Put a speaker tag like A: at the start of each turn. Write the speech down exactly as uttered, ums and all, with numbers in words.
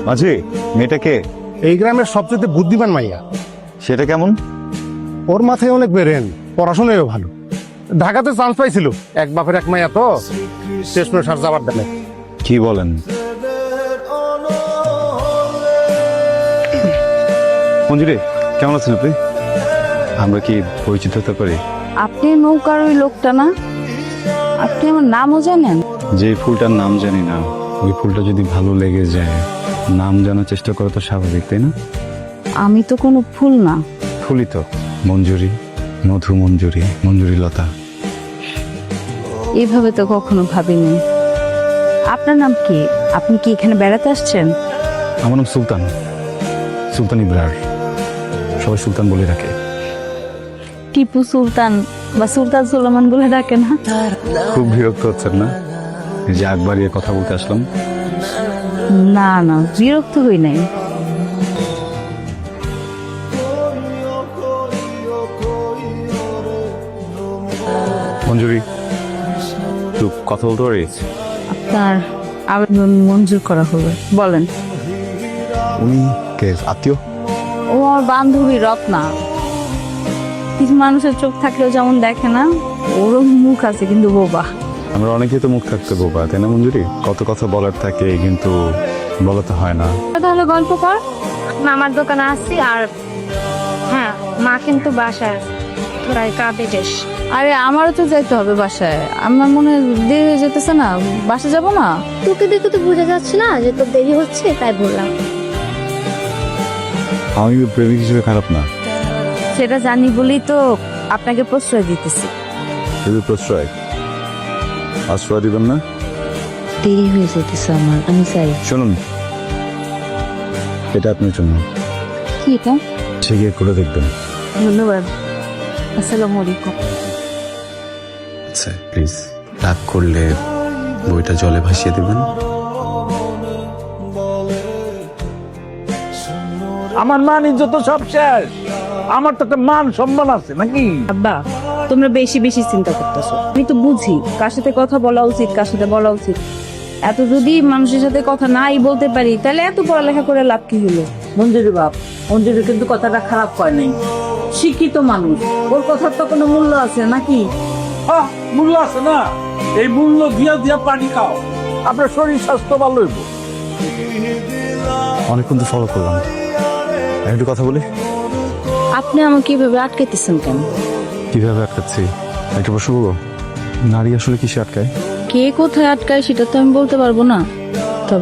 A: মাঝি, মেয়েটাকে
B: এই গ্রামের সবচেয়ে বুদ্ধিমান মাইয়া।
A: সেটা কেমন?
B: ওর মাথায় অনেক বেরেন, পড়াশোনায়ও ভালো। ঢাকাতে চান্স পাইছিল, এক বাপের এক মাইয়া তো শেষ করে সার যাবার দেনে।
A: কি বলেন? মঞ্জুরি, কেমন আছেন আপনি? আমরা কি পরিচিত হতে পারি?
C: আপনি নৌকার ওই লোকটা না? আপনি আমার নামও জানেন?
A: যে ফুলটার নাম জানি না, ওই ফুলটা যদি ভালো লেগে যায়, নাম জানার চেষ্টা করা তো স্বাভাবিক, তাই না?
C: আমি তো কোনো ফুল না।
A: ফুলই তো। মঞ্জুরি, মধু মঞ্জুরি, মঞ্জুরি লতা।
C: এইভাবে তো কখনো ভাবিনি। আপনার নাম কি? আপনি কি এখানে বেড়াতে আসছেন?
A: আমার নাম সুলতান, সুলতান ইব্রার। সবাই সুলতান বলে রাখে।
C: টিপু সুলতান বা সুলতান সুলেমান বলে ডাকে না?
A: খুব বিরক্ত হচ্ছেন না এই যে আগ বাড়িয়ে কথা বলতে আসলাম?
C: না না, বিরক্ত হই নাই।
A: মঞ্জুরি, একটু কথা বলতে পারি?
C: আপনার আবেদন মঞ্জুর করা হবে, বলেন।
A: উনি কে? আত্মীয়?
C: ও আমার বান্ধবী রত্না। কিছু মানুষের চোখ থাকলেও যেমন দেখে না, ওরও মুখ আছে কিন্তু বোবা।
A: আমরা অনেকেই তো মুখ থাকতে বোবা, তাই না মঞ্জুরি? কত কথা বলার থাকে কিন্তু বলাতে হয় না।
C: তাহলে গল্প কর।
D: মামার দোকানে আসছি আর হ্যাঁ মা কিন্তু বাসায় প্রায় কাঁদে বেশ।
C: আরে আমারও তো যাইতে হবে বাসায়। আমার মনে হয় দেরি হয়ে যেতেছে না, বাসা যাব না?
D: তোকে দেখে তো বোঝা যাচ্ছে না যে তোর দেরি হচ্ছে, তাই বললাম।
A: আমি প্রেমিক হিসেবে খারাপ না,
C: সেটা জানি বলেই তো আপনাকে প্রশ্রয় দিতেছি।
A: শুধু প্রশ্রয়। আশ্রয় দিবেন না?
C: দেরি হয়ে যেতেছে আমার, আমি চাই।
A: শুনুন, এটা আপনার জন্য।
C: কি এটা?
A: ঠিক করে দেখবেন।
C: ধন্যবাদ। আসসালামু আলাইকুম।
A: আচ্ছা প্লিজ, রাগ করলে বইটা জলে ভাসিয়ে দেবেন।
E: আমার মান ইজ্জত তো সব শেষ। আমার তো একটা মান সম্মান আছে নাকি?
C: আব্বা, তোমরা বেশি বেশি চিন্তা করতেছো। আমি তো বুঝি কার সাথে কথা বলা উচিত, কার সাথে বলা উচিত। এত যদি মানুষের সাথে কথা নাই বলতে পারি, তাহলে এত পড়ালেখা করে লাভ কি হলো?
F: মঞ্জুরি বাপ, মঞ্জুরি কিন্তু কথাটা খারাপ কয় নাই। শিক্ষিত মানুষ, ওর কথার তো কোনো মূল্য আছে নাকি?
E: হ্যাঁ, মূল্য আছে না? এই মূল্য দিয়া দিয়া পানি খাও, আপনার শরীর স্বাস্থ্য ভালো হইব।
A: অনেকক্ষণ তো ফলো করলাম, একটু কথা বলি।
C: আপনি আমাকে কিভাবে আটকাইতেছেন কেন?
A: কিভাবে আটকাচ্ছি? একটা প্রশ্ন করবো, নারী আসলে কিসে আটকায়?
C: কে কোথায় আটকায় সেটা তো আমি বলতে পারবো না।